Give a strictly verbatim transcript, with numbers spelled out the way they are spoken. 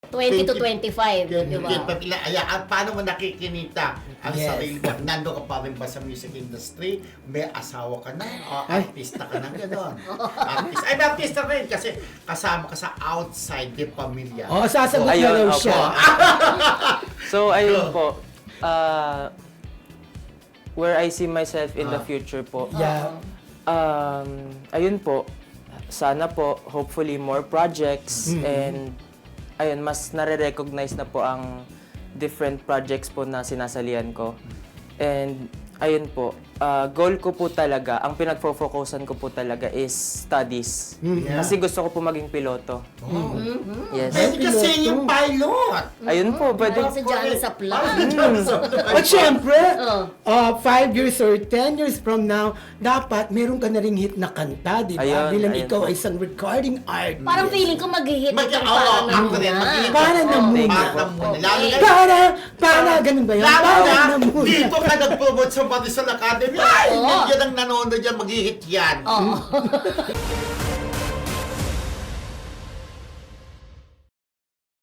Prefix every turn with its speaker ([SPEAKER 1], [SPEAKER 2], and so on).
[SPEAKER 1] twenty to twenty-five, di ba?
[SPEAKER 2] Ay, at paano mo nakikinita ang
[SPEAKER 3] Yes.
[SPEAKER 2] sarili mo? Nando ka pa rin ba sa music industry? May asawa ka na? O
[SPEAKER 3] Ay.
[SPEAKER 2] artista ka na gano'n? Artist. Ay, may artista rin kasi kasama ka sa outside din pamilya.
[SPEAKER 3] Oh, sasagot na
[SPEAKER 4] Ayun,
[SPEAKER 3] raw
[SPEAKER 4] opo.
[SPEAKER 3] siya.
[SPEAKER 4] So, ayun po. Uh, where I see myself in the
[SPEAKER 2] Ah.
[SPEAKER 4] future po.
[SPEAKER 3] Yeah.
[SPEAKER 4] Um, ayun po. Sana po, hopefully, more projects. And, ayun, mas nare-recognize na po ang different projects po na sinasalihan ko. And, ayun po, uh, goal ko po talaga, ang pinagfo-focusan ko po talaga is studies.
[SPEAKER 2] Yeah.
[SPEAKER 4] Kasi gusto ko po maging piloto.
[SPEAKER 2] Oh.
[SPEAKER 4] Yes.
[SPEAKER 2] Pwede kasi yung pilot.
[SPEAKER 4] Ayun po, pwede.
[SPEAKER 1] Parang si Johnny Saplan.
[SPEAKER 3] At syempre,
[SPEAKER 1] Oh.
[SPEAKER 3] uh, five years or ten years from now, dapat meron ka na ring hit na kanta, di ba?
[SPEAKER 4] Ayun,
[SPEAKER 3] Bilang
[SPEAKER 4] ayun
[SPEAKER 3] ikaw
[SPEAKER 4] po.
[SPEAKER 3] ay isang recording artist.
[SPEAKER 1] Parang feeling ko mag-hit
[SPEAKER 2] Mag-
[SPEAKER 1] itong
[SPEAKER 2] oo,
[SPEAKER 1] parang
[SPEAKER 2] ako
[SPEAKER 1] muna.
[SPEAKER 2] rin, mag-hit.
[SPEAKER 3] Para na
[SPEAKER 1] Oo.
[SPEAKER 3] muna.
[SPEAKER 2] Para muna. Lalo na
[SPEAKER 3] Para, para, ganun ba yun?
[SPEAKER 2] Lalo
[SPEAKER 3] Para
[SPEAKER 2] na,
[SPEAKER 3] na muna.
[SPEAKER 2] dito ka nag-promote sa Marisol Academy. Ay,
[SPEAKER 1] Oo.
[SPEAKER 2] yan ang nanonood yan, mag-hit yan.
[SPEAKER 1] Oo.